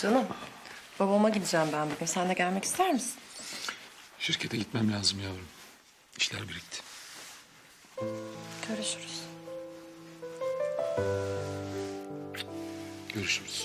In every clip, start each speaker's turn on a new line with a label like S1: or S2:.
S1: Canım, babama gideceğim ben bugün. Sen de gelmek ister misin?
S2: Şirkete gitmem lazım yavrum. İşler birikti.
S1: Görüşürüz.
S2: Görüşürüz.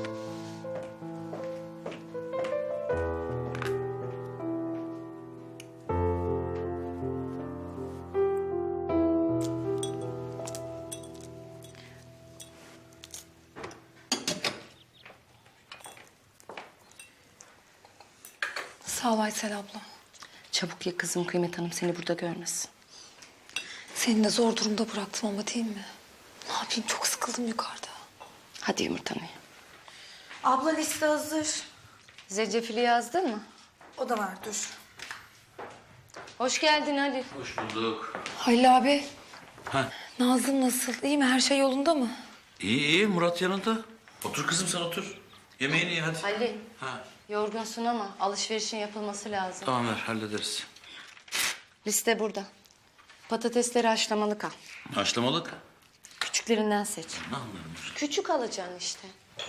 S3: Sağ ol Aysel abla.
S4: Çabuk ye kızım, Kıymet Hanım seni burada görmesin.
S3: Seni de zor durumda bıraktım ama değil mi? Ne yapayım, çok sıkıldım yukarıda.
S4: Hadi yumurtanı ye.
S5: Abla liste hazır.
S4: Zencefili yazdın mı?
S5: O da var dur.
S4: Hoş geldin Ali.
S6: Hoş bulduk.
S3: Halil abi.
S6: Ha.
S3: Nazım nasıl? İyi mi? Her şey yolunda mı?
S6: İyi iyi, Murat yanında. Otur kızım, sen otur. Yemeğini ye hadi.
S4: Ali,
S6: Ha.
S4: yorgunsun ama alışverişin yapılması lazım.
S6: Tamam, ver hallederiz.
S4: Liste burada. Patatesleri haşlamalık al.
S6: Haşlamalık.
S4: Küçüklerinden seç.
S6: Ne anlarım?
S4: Küçük alacaksın işte.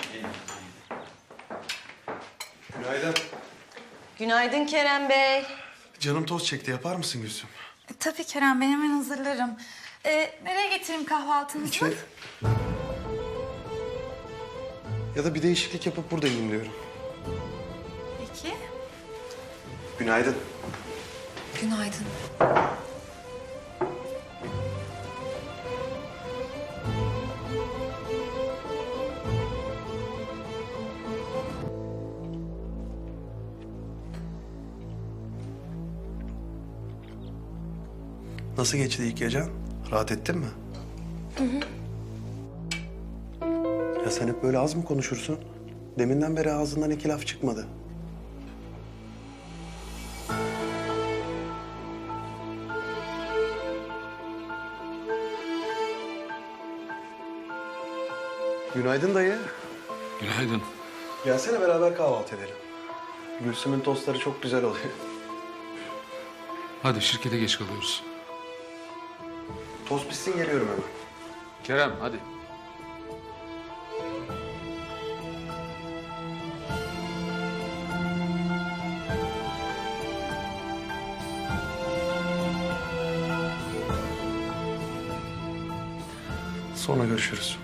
S7: Günaydın.
S4: Günaydın Kerem Bey.
S7: Canım tost çekti. Yapar mısın Gülsüm?
S5: Tabii Kerem, ben hemen hazırlarım. Nereye getireyim kahvaltınızı?
S7: İçeri. Ya da bir değişiklik yapıp burada yiyeyim diyorum.
S5: Peki.
S7: Günaydın.
S3: Günaydın.
S7: Nasıl geçti ilk gecen? Rahat ettin mi? Hı hı. Ya sen hep böyle az mı konuşursun? Deminden beri ağzından iki laf çıkmadı. Günaydın dayı.
S2: Günaydın.
S7: Gelsene beraber kahvaltı edelim. Gülsüm'ün tostları çok güzel oluyor.
S2: Hadi şirkete geç kalıyoruz.
S7: Tost bitsin geliyorum hemen.
S2: Kerem hadi.
S7: Sonra görüşürüz.